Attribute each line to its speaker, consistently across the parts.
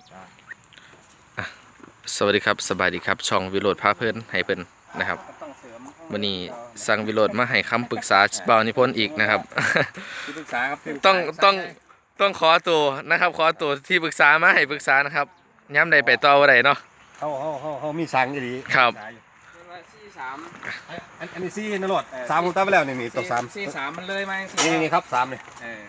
Speaker 1: สวัสดีครับสบายดีครับช่องวิโรจน์พาเพิ่นให้เพิ่นนะครับวันนี้สั่งวิโรจน์มาให้คำปรึกษาบ่าวนิพนธ์อีกนะครับ
Speaker 2: ที่ปรึกษาครับ
Speaker 1: ต้องขอตัวนะครับขอตัวที่ปรึกษามาให้ปรึกษานะครับย้ำใดไปต่อว่าใดเนาะ
Speaker 2: เขามีสั่งอยู่ดี
Speaker 1: ครับ
Speaker 2: อันนี้ซี่นรดสามผมตั้งไปแล้วนี่ตัวสาม
Speaker 3: 4-3มันเลยไหม
Speaker 2: นี่ครับสามเลย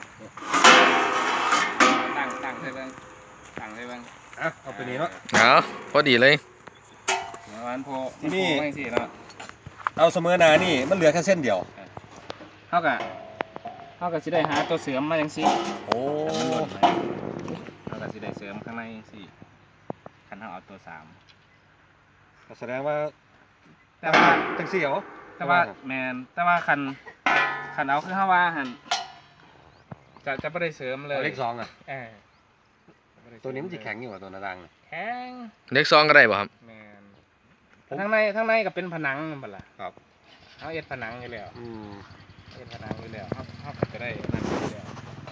Speaker 3: ตั้งเลยเบิ้งตั้งเลยเบิ้ง
Speaker 2: เอาไปนี่เนาะ
Speaker 1: เอาพอดีเลย
Speaker 3: วันโพ
Speaker 2: ที่นี่
Speaker 3: ไม่สิเนาะ
Speaker 2: เอาเสมอนานี่มันเหลือแค่เส้นเดียว
Speaker 3: เท่ากับสิได้หาตัวเสริมมาจังซี่
Speaker 2: โอ้
Speaker 3: มันหล่นไหมเท่ากับสิได้เสริมข้างในสิคันเฮาเอาตัว3
Speaker 2: แสดงว่า
Speaker 3: แต่ว่า
Speaker 2: จังซี่เหรอ
Speaker 3: แต่ว่าแมนแต่ว่าคันเอาคือเฮาว่าหั่นจะบ่ได้เสริมเลย
Speaker 2: เลขสองอ่ะ
Speaker 3: เออ
Speaker 2: ตัวนี้มันจะแข็งอยู่กว่าตัวนาดัง
Speaker 3: แข็ง
Speaker 1: เลข2ก็ได้บ่ครับ
Speaker 3: แมนข้างในก็เป็นผนังนั่นบัดล่ะ
Speaker 2: ครับ
Speaker 3: เฮาเอ็ดผนังอยู่แล้ว เป็นผนังอยู่แล้วเขาก็จะได้นั่นอยู่แล้ว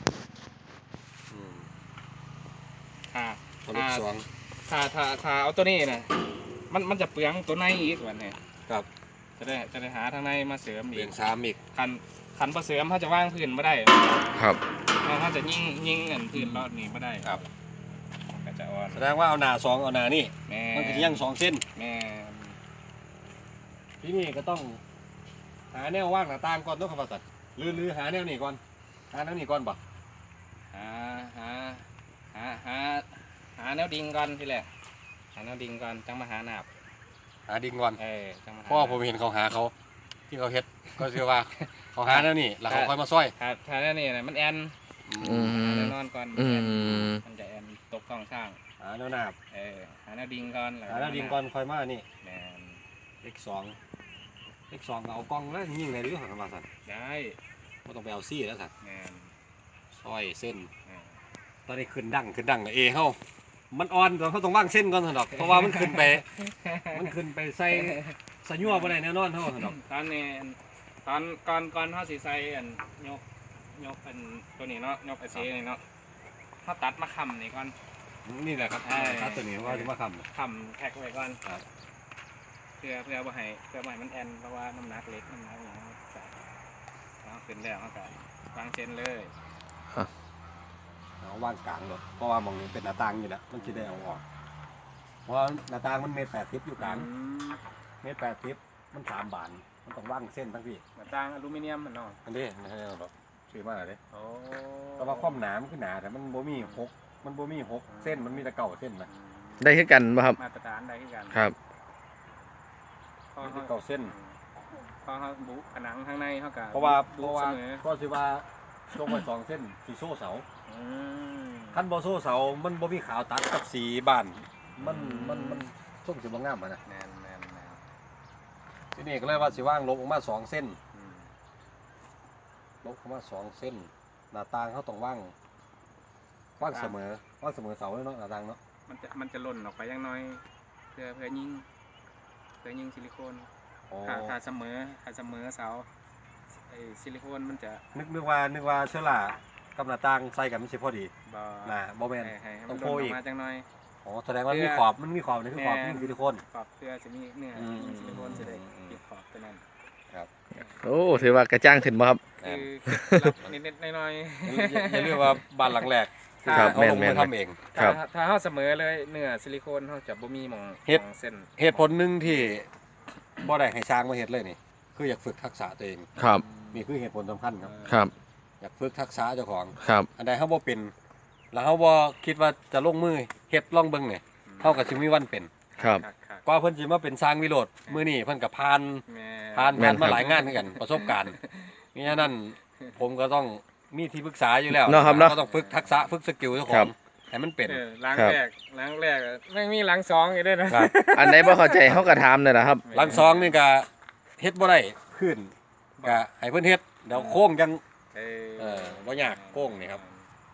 Speaker 2: ตัวเลขสอง
Speaker 3: ถ้าเอาตัวนี้นะมันจะเปลืองตัวในอีกวันนี้
Speaker 2: ครับ
Speaker 3: จะได้หาทางในมาเสริม
Speaker 2: เห
Speaker 3: อี
Speaker 2: รีย
Speaker 3: ก
Speaker 2: ญสามอีก
Speaker 3: ขันมาเสริมเขาจะว่างพื้นไม่ได้
Speaker 1: ครับ
Speaker 3: เขาจะยิงเงินพื้นรอดนี้ไม่ได้
Speaker 2: ครับ
Speaker 3: ก็จะอ่อน
Speaker 2: แสดงว่าเอาหนาสองเอาหนานี่
Speaker 3: แม่
Speaker 2: มันเป็นยังสองเส้น
Speaker 3: แม่
Speaker 2: ที่นี่ก็ต้องหาแนวว่างหน้าต่างก่อนต้องคำว่าสัตว์หรือหาแนวนี้ก่อนหาแนวนี้ก่อนบ่
Speaker 3: หาแนวดิ่งก่อนทีแรกหาแนวดิ่งก่อนจังมาหาหนาบ
Speaker 2: หาดิ่งก่อน
Speaker 3: จังมาหา
Speaker 2: เพราะว่าผมเห็นเขาหาเขาที่เขาเฮ็ดก็คือว่าเขาหาแนวนี้แล้วเขาค่อยมาซ้อย
Speaker 3: ถ้าแนวนี้นะมันแอน
Speaker 1: อืม
Speaker 3: แน่นอนก่อน
Speaker 1: อืม
Speaker 3: มันจะแอนตกท้องช่าง
Speaker 2: หาแนวหนาบ
Speaker 3: หาแนวดิ่งก่อน
Speaker 2: หาแนวดิ่งก่อนค่อยมานี่
Speaker 3: แมน
Speaker 2: เลขสองเลขสองก็เอากล้องแล้วยิงในเรื่องของคำว่าสัตว์
Speaker 3: ได้
Speaker 2: ไม่ต้องไปเอาซี่แล้วสัตว์
Speaker 3: แมน
Speaker 2: ซ้อยเส้น
Speaker 3: แมน
Speaker 2: ตอนนี้ขึ้นดังเอเฮามันอ่อนตอนเขาต้องว่างเส้นก่อนสันดอกเพราะว่ามันขึ้นไปใส่สะยั่วบ่ได้แน่นอนเฮาสันดอก
Speaker 3: ตอนนี้ก่อนเขาสิใส่อันยกอันตัวนี้เนาะยกไอซีนี่เนาะเขาตัดมาคำนี่ก่อน
Speaker 2: นี่แหละครับครับตัวนี้ว่าจะมาค
Speaker 3: คำแท็กไว้ก่อน
Speaker 2: ครับ
Speaker 3: เพื่อบ่ให้มันแอนเพราะว่าน้ำหนักเล็กน้ำหนักอย่างนี้ใส่แล้วขึ้นแล้วเขาก็วางเส้นเลย
Speaker 2: ำเอาว่างกลางรถเพราะว่ามองนี้เป็นหน้าต่างอยู่แล้วมันจะได้เอาออกเพราะหน้าต่างมันเมตร80อยู่กลางเมตร80มัน3 บานมันต้องว่างเส้นทั้งพี่
Speaker 3: หน้าต่างอลูมิเนียมมันเนาะ
Speaker 2: อันนี้ไม่ใช่หรอกซื้อมาเลย
Speaker 3: โอ้
Speaker 2: แต่ว่าความหนามันคือหนาแต่มันบ่มี6เส้นมันมีแต่เก่าเส้นนะ
Speaker 1: ได้คือกันบ่ครับ
Speaker 3: มาตรฐานได้ที่กัน
Speaker 1: ครับ
Speaker 3: พอ
Speaker 2: มี
Speaker 3: เขา
Speaker 2: แต่เก่าเส้น
Speaker 3: พอเขาบุผนังข้างในเขาก็
Speaker 2: เพราะว่า
Speaker 3: บุเสมอ
Speaker 2: ก็สิว่าลงไป2 เส้นสีโซ่เสา
Speaker 3: อืม
Speaker 2: คันบ่โซ่เสามันบ่มีขาวตัดกับสีบ้านมันส่งสิบ่งามอะนะ
Speaker 3: แมน
Speaker 2: ทีนี้ก็เลยว่าสิว่างลบออกมา2 เส้น
Speaker 3: อืม
Speaker 2: ลบออกมา2 เส้นหน้าต่างเขาต้องว่างเสมอเสาเลยเนาะหน้าต่างเนาะ
Speaker 3: มันจะหล่นออกไปอย่างน้อยเพื่อยิงซิลิโคน
Speaker 2: อ๋อ
Speaker 3: ถ้าเสมอเสาไอ้ซิลิโคนมันจะ
Speaker 2: นึกว่าเชื้อรากับหน้าต่างใส่กันมันสิพอดี
Speaker 3: บ่
Speaker 2: น่ะบ่แม่น
Speaker 3: ให้
Speaker 2: ต้
Speaker 3: มั
Speaker 2: อน ง
Speaker 3: หล่
Speaker 2: โพ
Speaker 3: น
Speaker 2: อี
Speaker 3: อก อกมาจังน้อย
Speaker 2: อ๋อแสดงว่ามีขอบนี่คือขอบยิงซิลิโคน
Speaker 3: ขอบเพื่อจะมีเนื้อ
Speaker 2: อืม
Speaker 3: ยิงซิลิโคนจะได้ปิดขอบตัวนั้น
Speaker 1: โอ้ถือว่ากระจ้างขึ้นบ่ครับ
Speaker 3: คือรับนิดๆหน่อย
Speaker 2: อย่าลืมว่าบ้านหลังแรก
Speaker 1: ครับ
Speaker 2: เขาลง
Speaker 1: แม่
Speaker 2: มือน ทำเอง
Speaker 3: ๆ
Speaker 1: ครับ
Speaker 3: ถ้าเฮาเสมอเลยเนื้อซิลิโคนเฮาจะบ่มีหม่อง
Speaker 2: เฮ็ด
Speaker 3: หม่องเส้น
Speaker 2: เหตุผลหนึ่งที่บ่ได้ให้ช้างมาเฮ็ดเลยนี่คืออยากฝึกทักษะตัวเอง
Speaker 1: ครับ
Speaker 2: นี่คือเหตุผลสำคัญครับ
Speaker 1: ครับ
Speaker 2: อยากฝึกทักษะเจ้าของ
Speaker 1: ครับ
Speaker 2: อันใดเฮาบ่เป็นแล้วเฮาบ่คิดว่าจะลงมือเฮ็ดลองเบิ่งเนี่ยเฮาก็สิมีวันเป็น
Speaker 1: ครับ
Speaker 2: กว่าเพิ่นสิมาเป็นช้างวิโรจน์มื้อนี้เพิ่นก็ผ่าน
Speaker 3: แม่
Speaker 1: แม่นครับ
Speaker 2: มาหลายงานเหมือนกันประสบการณ์มิฉะนั้นผมก็ต้องมีที่ปรึกษาอยู่แล้ว
Speaker 1: เนาะครับเนาะ
Speaker 2: ก็ต้องฝึกทักษะฝึกสกิลเจ้าข
Speaker 1: ครั
Speaker 2: อง
Speaker 1: บ
Speaker 2: ให้มันเป็น
Speaker 3: ล้าง
Speaker 1: ครับ
Speaker 3: แรกไม่มีล้างสองอีกด้วยนะครับ
Speaker 1: อันไหนบ่เข้าใจเฮาก็ถามเลยนะครับ
Speaker 2: หลังซองนี่ก็เฮ็ดบ่ได้ขึ้นก็ให้เพิ่นเฮ็ดเดี๋ยวโค้งจัง บ่ยากโก้งนี่ครับ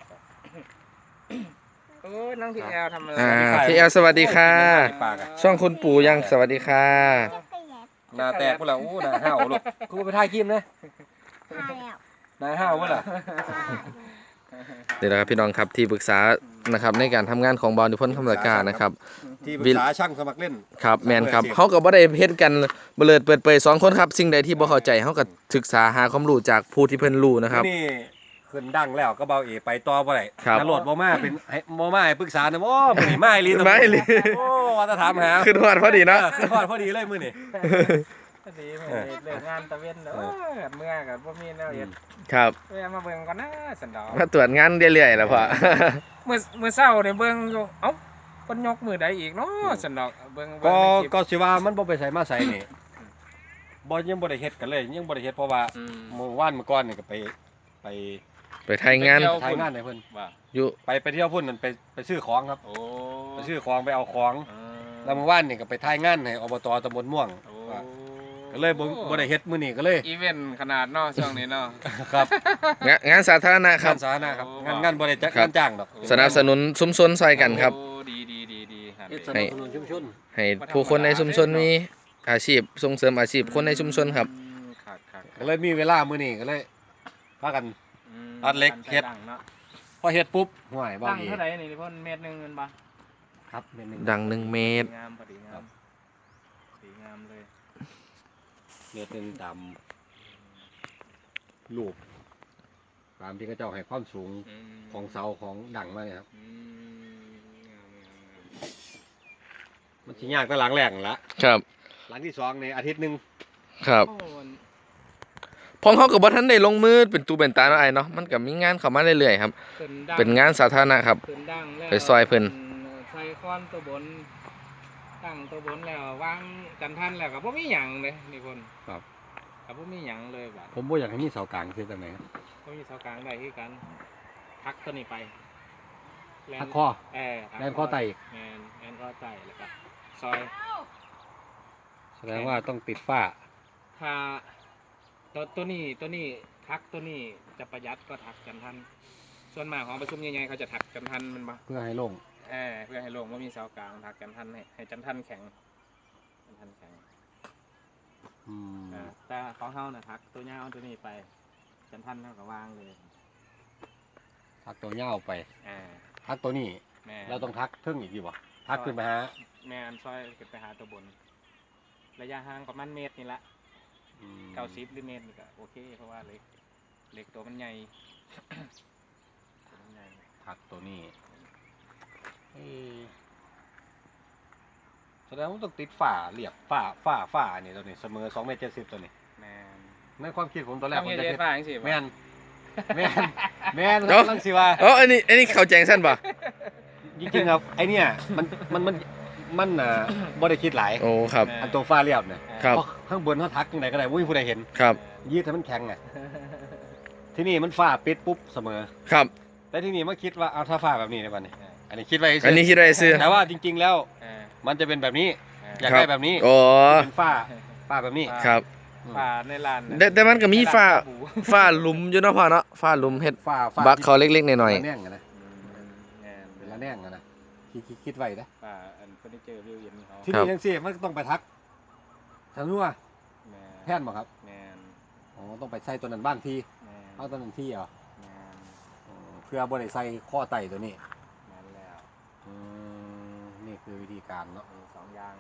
Speaker 3: โอ้ยน้องพี่แอลทำอะไร
Speaker 1: พี่แอลสวัสดีค่ะ
Speaker 2: ปากอะ
Speaker 1: ช่องคุณปู่ยังสวัสดีค่ะ
Speaker 2: หน้าแตกพุ่นล่ะอู้หน้าห้าวลูกกูไปถ่ายคลิปนะหน้าห้าวพุ่นล่ะ
Speaker 1: นี่แหละครับพี่น้องครับที่ปรึกษานะครับในการทำงานของบอลนิพนธ์คำลากานะครับ
Speaker 2: ที่ปรึกษาช่างสมัครเล่น
Speaker 1: ครับแมนครับเขาก็บ่ได้เฮ็ดกันเบลิดเปิดเผยสองคนครับสิ่งใดที่บ่เข้าใจเขาก็ศึกษาหาความรู้จากผู้ที่เพิ่นรู้นะครับ
Speaker 2: นี่ขึ้นดังแล้วก็เบาเอไปต่อบ่ได้
Speaker 1: ครับ
Speaker 2: นรดบ่มาเป็นให้บ่มาให้ปรึกษานะโอ้มื้อนี้มาอีหลี
Speaker 1: มาอีหลี
Speaker 2: โอ้ว่าจะถามหา
Speaker 1: ขึ้นฮอดพอดีเนาะ
Speaker 2: ขึ้นฮอดพอดีเลยมื้อนี้
Speaker 3: พอดีเลิกงานตะเวนเด้อเมื่อก็บ่มีแนวเฮ็ด
Speaker 1: ครับ
Speaker 3: แวะมาเบิ่งก่อนนะสันดอก
Speaker 1: มาตรวจงานเรื่อยๆแล้วพ่อ
Speaker 3: มื้อเช้าเนี่ยเบิ่งอยู่เอ้าเพิ่นยกมือใดอีกเนาะสันดอกเบิ่ง
Speaker 2: ก็
Speaker 3: ในคลิป
Speaker 2: ก็สิว่ามันบ่ไปใส่มาใส่นี่บ่ยังบ่ได้เฮ็ดกันเลยยังบ่ได้เฮ็ดเพราะว่า
Speaker 3: อืม
Speaker 2: เมื่อวานเมื่อก่อนนี่ก็ไป
Speaker 1: ไปไทยงาน
Speaker 3: ไปเที่ยว
Speaker 2: ถ่ายงานให้เพิ่น
Speaker 3: ว่า
Speaker 1: อยู่
Speaker 2: ไปเที่ยวพุ่นนั่นไปซื้อของครับ
Speaker 3: โอ้
Speaker 2: ไปซื้อของไปเอาของ แล้วเมื่อวานนี่ก็ไปถ่ายงานให้อบตตำบลม่วง
Speaker 3: โอ้
Speaker 2: ก็เลยบ่ได้เฮ็ดมื้อนี้ก็เลย
Speaker 3: อีเวนต์ขนาดเนาะช่วงนี้เนาะ
Speaker 2: ครับ
Speaker 1: งานสาธารณะค
Speaker 2: งา
Speaker 1: รับ
Speaker 2: นสาธารณะครับ
Speaker 3: โอ้
Speaker 2: งานบ่ได้จัด
Speaker 1: ครับ
Speaker 2: งานจ้างดอก
Speaker 1: สนับสนุนชุมชนซอยกันครับ
Speaker 3: โอ้ดีครับ
Speaker 2: เฮ็ดสนับสนุนชุมชน
Speaker 1: ให้ผู้คนในชุมชนมีอาชีพส่งเสริมอาชีพคนในชุมชนครับ
Speaker 3: ครับ
Speaker 2: ก็เลยมีเวลามื้อนี้ก็เลยพากัน
Speaker 3: ม
Speaker 2: อัดเล็กเฮ็ด
Speaker 3: ดังเนาะ
Speaker 2: พอเฮ็ดปุ๊บห่วยบ่
Speaker 3: ดัง
Speaker 2: อี
Speaker 3: เท่าไหร่นี่เพิ่นเม็ดหนึงเงินบ่
Speaker 2: ครับเม็ดหนึง
Speaker 1: ดัง1 เมตร
Speaker 3: งามพอดีงามดีงามเลย
Speaker 2: เม็ดหนึงตามรูปตามที่เขาเจ้าให้ความสูง
Speaker 3: อืม
Speaker 2: ของเสาของดังมาเนี่ยครับ
Speaker 3: อืมงาม
Speaker 2: มันสิยากแต่หลังแรกนั่นละ
Speaker 1: ครับ
Speaker 2: หลังที่สองในอาทิตย์หนึง
Speaker 1: ครับ
Speaker 3: โอ้มัน
Speaker 1: พองเขาก็บ่ทันได้ลงมือเป็นตูเป็นตาเนาะไอ้เนาะมันก็มีงานเข้ามาเรื่อยๆครับ
Speaker 3: ขึ้นดัง
Speaker 1: เป็นงานสาธารณะครับ
Speaker 3: ขึ้นดังแล้ว
Speaker 1: ไปซอยเพิ่น
Speaker 3: ใส่ค้อนตัวบนตั้งตัวบนแล้ววางกันทันแล้วก็บ่มีหยังเลยนี่เพิ่น
Speaker 2: ครับ
Speaker 3: ก็บ่มีหยังเลยบัด
Speaker 2: ผมบ่อยากให้มีเสากลางคือจังไดครับ
Speaker 3: บ่มีเสากลางได้คือกันทักตัวนี้ไปแลน
Speaker 2: ทักคอ
Speaker 3: ทัก
Speaker 2: แลนคอไตอีก
Speaker 3: แอนคอไตแล้วก็ซอย
Speaker 2: แสดงว่าต้องติดฝ้า
Speaker 3: ถ้าตัวนี้ทักตัวนี้จะประหยัดก็ทักกันทันส่วนมากของประชุมใหญ่ๆเขาจะทักกันทันมันบ่
Speaker 2: เพื่อให้โล่ง
Speaker 3: เพื่อให้ลงว่ามีเสากลางทักกันทันให้จันทันแข็งจันทันแข็ง
Speaker 2: อืม
Speaker 3: แต่ของเฮาน่ะทักตัวยาวตัวนี้ไปจันทันเฮาก็วางเลย
Speaker 2: ทักตัวเหย้าไป
Speaker 3: อ่า
Speaker 2: ทักตัวนี้
Speaker 3: แม่
Speaker 2: เราต้องทักเทิงอีกอยู่บ่ทักขึ้นไปหา
Speaker 3: แม่อันซอยขึ้นไปหาตัวบน ระยะห่างประมาณเมตรนี่ละ
Speaker 2: อืม
Speaker 3: 90หรือเมตรนี่ก็โอเคเพราะว่าเหล็กตัวมันใหญ่ ตัวมันใหญ่
Speaker 2: ทักตัวนี้เอ้ยแสดงว่าต้องติดฝ้าเรียบฝ้านี่ตัวนี้เสมอ2.70 เมตรตัวนี้
Speaker 3: แม่น
Speaker 2: ในความคิดผมตอนแรก
Speaker 3: ต้อง
Speaker 2: ผม
Speaker 3: เฮ็ด
Speaker 2: จะ
Speaker 3: เฮ็
Speaker 2: เฮ็
Speaker 3: ด
Speaker 2: ด
Speaker 3: ฟ้าจังซี่บ่
Speaker 2: แม่นแม่นแม่น
Speaker 1: เอ้า
Speaker 2: กำลังสิว่า
Speaker 1: อ๋ออันนี้เขาแจงสั้นป่ะ
Speaker 2: จริงๆครับไอเนี่ยมันบ่ได้คิดหลาย
Speaker 1: โอ้ครับ
Speaker 2: อันตัวฝ้าเรียบเนี่ย
Speaker 1: ครับ
Speaker 2: เพราะข้างบนเขาทักยังไงก็ได้ไม่มีผู้ใดเห็น
Speaker 1: ครับ
Speaker 2: ยืดให้มันแข็งไงที่นี่มันฝ้าปิดปุ๊บเสมอ
Speaker 1: ครับ
Speaker 2: แต่ที่นี่มาคิดว่าเอาถ้าฝ้าแบบนี้ได้ป่ะเนี่ยอันนี้คิดไว้
Speaker 1: อันนี้คิดอะไรซื้อ
Speaker 2: แต่ว่าจริง ๆแล้ว
Speaker 3: เออ
Speaker 2: มันจะเป็นแบบนี้ อยาก
Speaker 1: ครับ
Speaker 2: ได้แบบนี้
Speaker 1: โอ้
Speaker 2: เป็นฝ้าแบบนี้
Speaker 1: ครับ
Speaker 3: ฟ้าในลานน่ะ
Speaker 1: แต่มันก็มีฝ้า
Speaker 3: ในลนบู
Speaker 1: ฝ้าหลุมอยู่เนาะพ่อเนาะฝ้าหลุมเฮ็ด
Speaker 2: ฝ้า
Speaker 1: บักเขาเล็กๆหน่อย
Speaker 2: ละแน่งอะนะ
Speaker 3: แม่น
Speaker 2: เป็นละแน่งอะนะคิดไว้นะ
Speaker 3: ฟ้าอันเฟอร์นิเจอร์วิวเย็นเขา
Speaker 2: ที่นี่ทั้งสี่มันต้องไปทักฉันรู้ว่า
Speaker 3: แม่น
Speaker 2: แพทย์บอกครับ
Speaker 3: แม่น
Speaker 2: อ๋อต้องไปใส่ตัวนั้นบ้านที่
Speaker 3: แม่น
Speaker 2: เอาตัวนั้นที่เหรอ
Speaker 3: แม่น
Speaker 2: เพื่อบริใส่ข้อไตตัวนี้
Speaker 3: แม่นแล้ว
Speaker 2: นี่คือวิธีการเนาะ
Speaker 3: มีสองอย่าง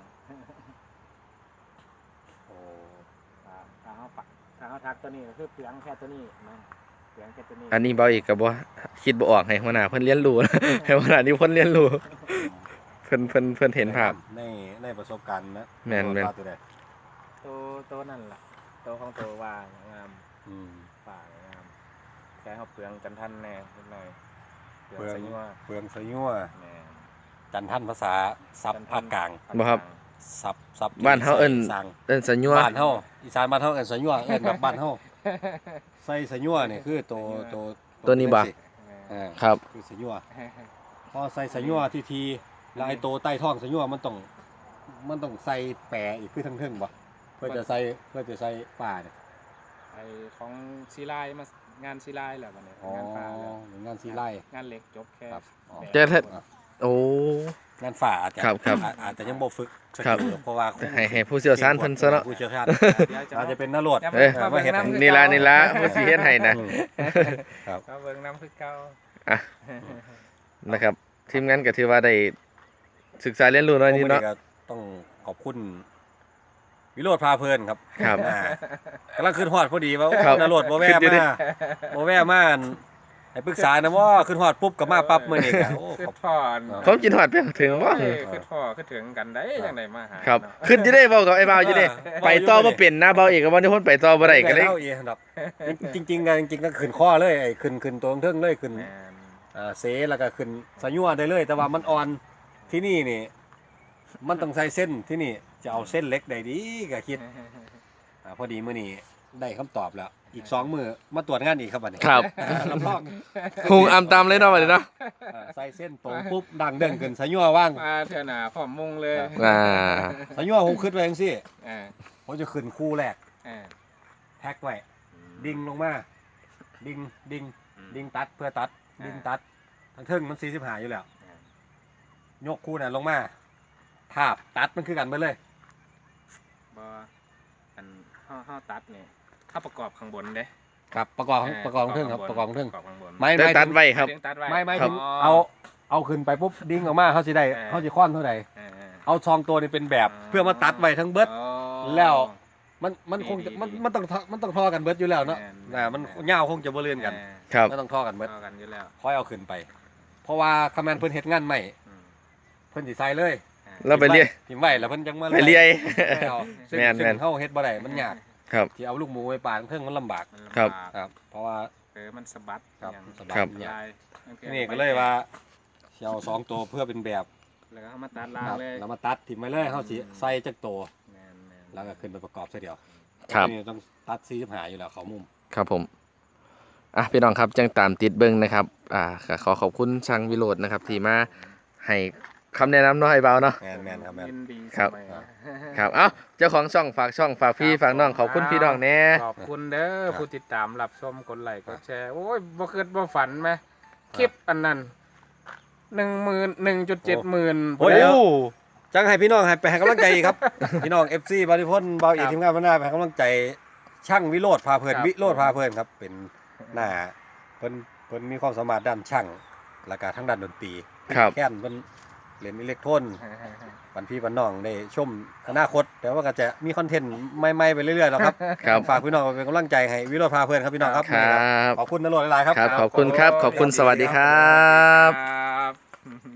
Speaker 2: โอ้
Speaker 3: ถ้าเขาปักถ้าเขาทักตัวนี้ก็คือเปลืองแค่ตัวนี้นะเปลืองแค่ตัวนี้
Speaker 1: ๆอันนี้เบาอีกก็บ่คิดบ่ออกให้หัวหน้าเพิ่นเรียนรู้ ให้หัวหน้านี่เพิ่นเรียนรู้เพิ่นเห็นภาพ
Speaker 2: ในประสบการณ์นะ
Speaker 1: แม่น
Speaker 2: ตัวใด
Speaker 3: ตัวนั่นล่ะตัวของตัวว่างงาม
Speaker 2: อืม
Speaker 3: ป่างามแค่เขาเปลืองกันทันแน่นิดหน่อยเปลือง
Speaker 2: เปลือง
Speaker 3: ใส่ยั่ว
Speaker 2: เปลืองสยั่ว
Speaker 3: แม่
Speaker 2: จันทันภาษาซับภาคกลาง
Speaker 1: บ่ครับ
Speaker 2: ซับ
Speaker 1: บ้านเฮาเอิ้น
Speaker 2: สั่ง
Speaker 1: สัญญา
Speaker 2: บ้านเฮาอีสานบ้านเฮาเอิ้นสยั่วเอิ้นแบบบ้านเฮาใส่สยั่วนี่คือตัว
Speaker 1: นี้บ่
Speaker 2: อ่า
Speaker 1: ครับ
Speaker 2: คือสยั่วพอใส่สยั่วทีแล้วไอ้ตัวใต้ท้องสยั่วมันต้องใส่แปะอีกคือทั้งเทิงบ่เพื่อจะใส่ป่าเนี่ย
Speaker 3: ไอของซีไลมางานซีไลแหละวันนี้
Speaker 2: อ๋อง
Speaker 3: านฟ้าแล้ว
Speaker 2: งานซีไล่
Speaker 3: งานเหล็กจบแค่
Speaker 2: ครับอ๋อ
Speaker 3: แบบ
Speaker 1: แต่ถ้า โอ้
Speaker 2: งานฝ่าอาจจะ
Speaker 1: ครับ
Speaker 2: อาจจะยังบ่ฝึกส
Speaker 1: ครับ
Speaker 2: กิลเพราะว่า
Speaker 1: ให้ผู้เชี่ยวชาญเพิ่นซะเนาะ
Speaker 2: ผู้เชี่ยวชาญ
Speaker 3: เดี๋ยวจะ
Speaker 2: อาจจะเป็นนรด
Speaker 3: อย่า
Speaker 1: เอ้ย
Speaker 3: มาเบิ่งน้ำคือ
Speaker 1: นี่
Speaker 3: เก่า
Speaker 1: ล่ะผู้สิเฮ็ดให้นะ
Speaker 2: ครับ
Speaker 3: มาเบิ่งน้ำคือเก่า
Speaker 1: อ่ะนะครับทีมงานก็ถือว่าได้ศึกษาเรียนรู้หน่อยนิดเนาะ
Speaker 2: ก็ต้องขอบคุณวิโรจน์พาเพลินครับ
Speaker 1: ครับ
Speaker 2: กำลังขึ้นฮอดพอดีว่าโอ้
Speaker 1: ครับ
Speaker 2: นรดบ่แว่
Speaker 1: ขึ้นอยู่ดิ
Speaker 2: มาบ่แว่มาให้ปรึกษานะว่าขึ้นฮอดปุ๊บก็มาปั๊บมื้อนี้ก็โอ้
Speaker 3: คือ
Speaker 2: ขอบ
Speaker 3: พ่อ
Speaker 1: ผมกินหอดไปถึงว่า
Speaker 3: คือพ่อคือถึงกันได้จังไดมาหา
Speaker 1: ครับ
Speaker 3: เนาะ
Speaker 1: ขึ้นจะได้บอกกับไอ้บ่าวอยู่เด้ไปต่อบ่เป็นนะบ่าวเอกกับวันที่พ้นไปต่อบ่ได้ก็เลย
Speaker 2: เล่าอีกครับจริงๆก็ขึ้นข้อเลยไอ้ขึ้นตัวเทิงเลยขึ้น
Speaker 3: แม่น
Speaker 2: เสแล้วก็ขึ้นสะยั่วได้เลย แต่ว่ามันอ่อนที่นี่นี่ มันต้องใส่เส้นที่นี่จะเอาเส้นเล็กได้ดีก็คิดพอดีมื้อนี้ได้คำตอบแล้ว อีก2มื้อมาตรวจงานอีกครับบัดนี้
Speaker 1: ครับ
Speaker 2: รับรอง
Speaker 1: หุงอำตามเลยเนาะบัดนี้เนาะ
Speaker 2: ใส่เส้นตรงปุ๊บดังเด้งขึ้นสะยั่วว่าง
Speaker 3: มาเถอะหนาพร้อมมุงเลย
Speaker 1: อ่า
Speaker 2: สะยั่วผมคิดไว้จังซี่
Speaker 3: อ่า
Speaker 2: ผมจะขึ้นคู่แรก
Speaker 3: อ่า
Speaker 2: แพ็คไว้ดิ่งลงมาดิ่งตัดเพื่อตัดดิ่งตัดทั้งเทิงมัน45อยู่แล้ว ยกคู่น่ะลงมาทาบตัดมันคือกันไปเลย
Speaker 3: บ่อันเฮาตัดนี่ถ้าประกอบข้างบนเด้
Speaker 2: ครับประกอบเทิงครับประกอบเทิง
Speaker 3: ข้างบน
Speaker 2: ไม่
Speaker 1: แต่ตัดไว้ครับ
Speaker 3: ถึงตัดไว้
Speaker 2: ไม่
Speaker 1: ครั
Speaker 2: ถึ
Speaker 1: บ
Speaker 2: งเอาขึ้นไปปุ๊บดิ่งออกมาเขาสิได้เขาสิค้อนเท่าใด
Speaker 3: เออ
Speaker 2: เอาซองตัวนี้เป็นแบบเพื่อมาตัดไว้ทั้งเบิด
Speaker 3: อ๋อ
Speaker 2: แล้วมันคงจะ
Speaker 3: ดี
Speaker 2: มันต้องทอกันเบิดอยู่แล้วเนาะ
Speaker 3: แม่น
Speaker 2: มันยาวคงจะบ่เลื่อนกัน
Speaker 1: ครับ
Speaker 2: มันต้องทอกันเบิด
Speaker 3: เท่ากันอยู่แล้ว
Speaker 2: ค่อยเอาขึ้นไป เพราะว่าคำแมนเพิ่นเฮ็ดงานใหม่
Speaker 3: อืม
Speaker 2: เพิ่นสิใส่เลย
Speaker 1: เราไปเรียน
Speaker 2: ทิมไว้แล้วเพิ่นจังมา
Speaker 1: ไปเรียน
Speaker 2: เอาซึ่ง
Speaker 1: แม่น
Speaker 2: ซึ่งเฮาเฮ็ดบ่ได้มันยาก
Speaker 1: ครับ
Speaker 2: ที่เอาลูกหมูไปปาดเทิงมันลำบาก
Speaker 3: มันลำ
Speaker 1: ครับ
Speaker 3: บาก
Speaker 2: ครับ เพราะว่า
Speaker 3: มันสะบัด
Speaker 2: ครับ
Speaker 3: อย่าง
Speaker 2: สะบัด
Speaker 1: ครับ
Speaker 3: ยาย
Speaker 2: นี่ก็เลยว่าสิเอาสองตัวเพื่อเป็นแบบ
Speaker 3: แล้วก็เอามาตัดล่าง
Speaker 2: ครับ
Speaker 3: เลย
Speaker 2: แล้วมาตัดทิมไว้เลยเฮาสิใส่จักตัว
Speaker 3: แม่น
Speaker 2: แล้วก็ขึ้นไปประกอบซะเดียว
Speaker 1: ครับ
Speaker 2: นี่ต้องตัด45อยู่แล้วเขามุม
Speaker 1: ครับผมอ่ะพี่น้องครับจังตามติดเบิ้งนะครับก็ขอขอบคุณช่างวิโรจน์นะครับที่มาให้คำแนะนำเนาะไอ้บ่าวเนาะ
Speaker 2: แม่นครับแม่น
Speaker 3: ยินดี
Speaker 1: ครับ
Speaker 3: เสมอ
Speaker 1: ครับเอ้าเจ้าของช่องฝากพี่ฝากน้องขอบคุณพี่น้องแน่
Speaker 3: ขอบคุณเด้อผู้ติดตามรับชมกดไลค์กดแชร์โอ้ยบ่คิดบ่ฝันไหมคลิปอันนั้น1.7
Speaker 2: โอ้ยเดี๋ยว จังให้พี่น้องให้ไปให้กำลังใจอีกครับ พี่น้อง FC บริพนธ์เบาอีกทีมงานบ้านหน้าไปให้กำลังใจช่างวิโรธพาเพลินวิโรธพาเพลินครับ เป็นหน้าเพิ่นมีความสามารถด้านช่างแล้วก็ทั้งด้านดนตรี
Speaker 1: ครับ
Speaker 2: แค่นเพิ่นเล่นอิเล็กโทรอนวันพี่วันน้องได้ชมอนาคตแต่ว่าก็จะมีคอนเทนต์ใหม่ๆไปเรื่อยๆแล้วครับ
Speaker 1: ครับ
Speaker 2: ฝากพี่น้องเป็นกำลังใจให้วิโรธพาเพลินครับพี่น้องครับ
Speaker 1: ครับ
Speaker 2: ขอบคุณนรดหลายๆครับ
Speaker 1: ครับขอบคุณครับขอบคุณสวัสดีครับ
Speaker 3: ครับ